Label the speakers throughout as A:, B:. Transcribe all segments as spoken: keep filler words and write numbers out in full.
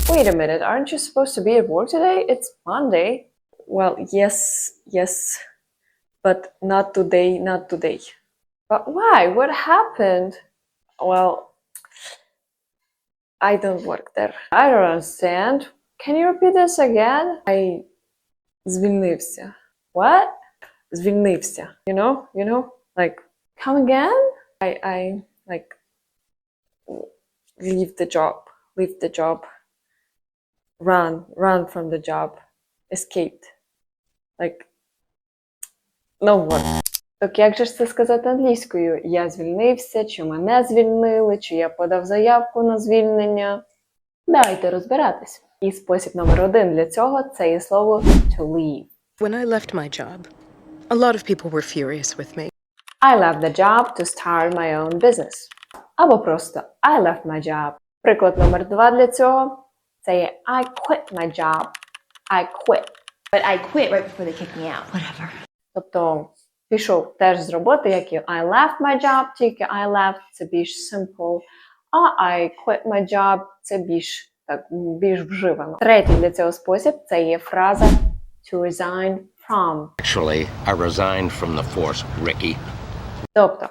A: Wait a minute, aren't you supposed to be at work today? It's Monday. Well, yes, yes, but not today, not today. But why? What happened? Well, I don't work there. I don't understand. Can you repeat this again? I звільнився. What? Звільнився. You know? You know? Like, come again? I, I, like, leave the job. Leave the job. Run. Run from the job. Escaped. Like, no work. Так як же ж це сказати англійською? Я звільнився, чи мене звільнили, чи я подав заявку на звільнення? Давайте розбиратись. І спосіб номер один для цього – це є слово to leave.
B: When I left my job, a lot of people were furious with me.
A: I left the job to start my own business. Або просто I left my job. Приклад номер два для цього – це є I quit my job. I quit.
C: But I quit right before they kicked me out. Whatever.
A: Тобто пішов теж з роботи, як і I left my job, тільки I left – це більш simple, а I quit my job – це більш, так, більш вживано. Третій для цього спосіб – це є фраза to resign from.
D: Actually, I resigned from the force, Ricky.
A: Тобто,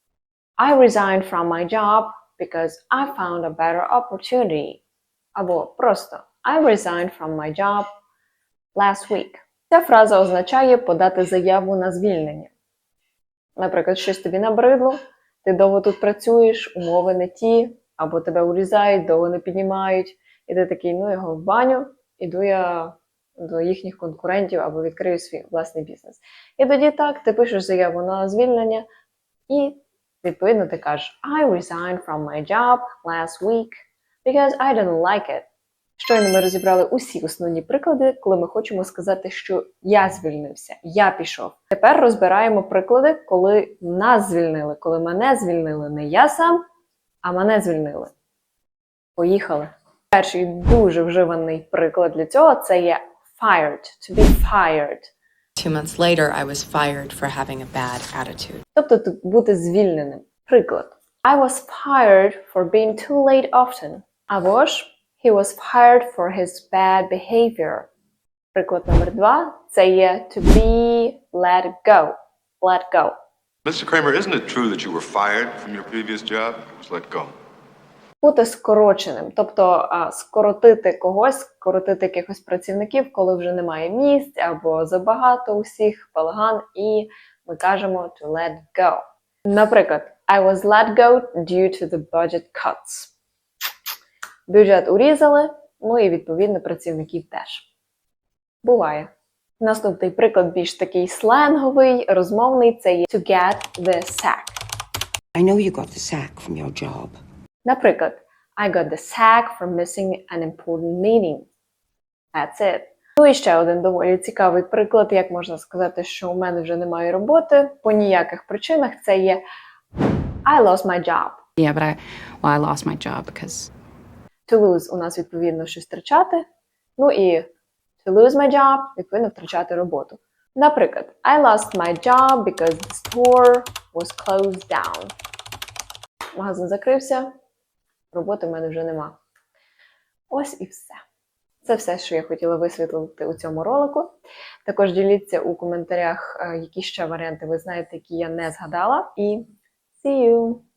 A: I resigned from my job because I found a better opportunity. Або просто I resigned from my job last week. Ця фраза означає подати заяву на звільнення. Наприклад, щось тобі набридло, ти довго тут працюєш, умови не ті, або тебе урізають, довго не піднімають, і ти такий, ну його в баню, іду я до їхніх конкурентів або відкрию свій власний бізнес. І тоді так, ти пишеш заяву на звільнення, і відповідно ти кажеш I resigned from my job last week because I didn't like it. Щойно ми розібрали усі основні приклади, коли ми хочемо сказати, що я звільнився, я пішов. Тепер розбираємо приклади, коли нас звільнили, коли мене звільнили. Не я сам, а мене звільнили. Поїхали. Перший дуже вживаний приклад для цього – це є fired, to be fired.
E: Two months later, I was fired for having a bad attitude.
A: Тобто бути звільненим. Приклад. I was fired for being too late often. Або ж he was fired for his bad behavior. Приклад номер два – це є to be let go. Let go.
F: Mister Kramer, isn't it true that you were fired from your previous job? It was let go.
A: Бути скороченим. Тобто а, скоротити когось, скоротити якихось працівників, коли вже немає місць або забагато усіх, балаган, і ми кажемо to let go. Наприклад, I was let go due to the budget cuts. Бюджет урізали, ну і відповідно працівників теж. Буває. Наступний приклад більш такий сленговий, розмовний, це є to get the sack.
G: I know you got the sack from your job.
A: Наприклад, I got the sack for missing an important meeting. That's it. Ну і ще один доволі цікавий приклад, як можна сказати, що у мене вже немає роботи, по ніяких причинах, це є I lost my job.
H: Yeah, but I, well, I lost my job because...
A: To lose у нас відповідно щось втрачати, ну і to lose my job відповідно втрачати роботу. Наприклад, I lost my job because the store was closed down. Магазин закрився, роботи в мене вже нема. Ось і все. Це все, що я хотіла висвітлити у цьому ролику. Також діліться у коментарях, які ще варіанти ви знаєте, які я не згадала. І see you!